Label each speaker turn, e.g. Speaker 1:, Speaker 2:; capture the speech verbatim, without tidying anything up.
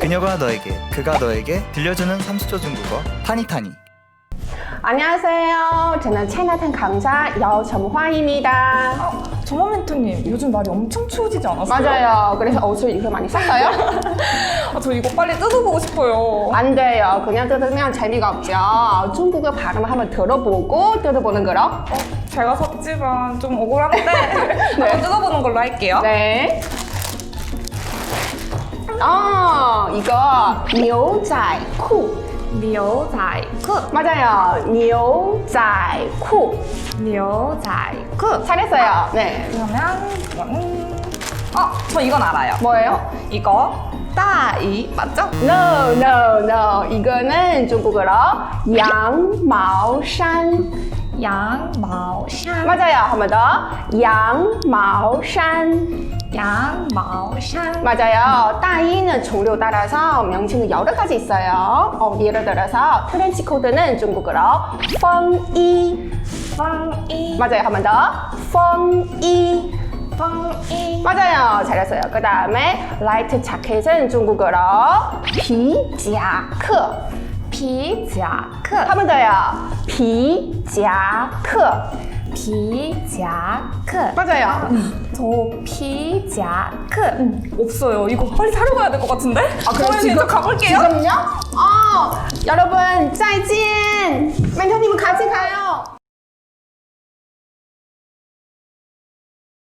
Speaker 1: 그녀가 너에게, 그가 너에게 들려주는 삼십 초 중국어 타니타니.
Speaker 2: 안녕하세요. 저는 차이나탄 강사 여점화입니다.
Speaker 3: 어, 정원 멘토님, 요즘 날이 엄청 추워지지 않았어요?
Speaker 2: 맞아요. 그래서 옷을 이렇게 많이 샀어요?
Speaker 3: 아, 저 이거 빨리 뜯어보고 싶어요.
Speaker 2: 안 돼요. 그냥 뜯으면 재미가 없죠. 중국어 발음 한번 들어보고 뜯어보는 거로.
Speaker 3: 어, 제가 샀지만 좀 억울한데 한번 뜯어보는 걸로 할게요.
Speaker 2: 네. 아, 이거牛仔裤.
Speaker 3: 牛仔裤,
Speaker 2: 맞아요. 牛仔裤.
Speaker 3: 牛仔裤.
Speaker 2: 잘했어요. 네.
Speaker 3: 그러면 이거는 어, 저 이건 알아요.
Speaker 2: 뭐예요?
Speaker 3: 이거 따이 맞죠?
Speaker 2: No, no, no. 이거는 중국어로 양마오산.
Speaker 3: 양마오산.
Speaker 2: 맞아요. 한 번 더. 양마오산.
Speaker 3: 양마오산.
Speaker 2: 맞아요. 따이는 종류 따라서 명칭이 여러 가지 있어요. 어, 예를 들어서 트렌치 코트는 중국어로 펑이.
Speaker 3: 펑이.
Speaker 2: 맞아요. 한 번 더. 펑이.
Speaker 3: 펑이.
Speaker 2: 맞아요. 잘했어요. 그 다음에 라이트 자켓은 중국어로 피자크.
Speaker 3: 피자크.
Speaker 2: 한 번 더요. 피자크.
Speaker 3: 피자크.
Speaker 2: 맞아요.
Speaker 3: 저 피자크 없어요. 이거 빨리 사러 가야 될 것 같은데? 아,
Speaker 2: 그럼
Speaker 3: 지금 가볼게요.
Speaker 2: 지금요? 어, 여러분, 再见. 멘토님은 같이 가요.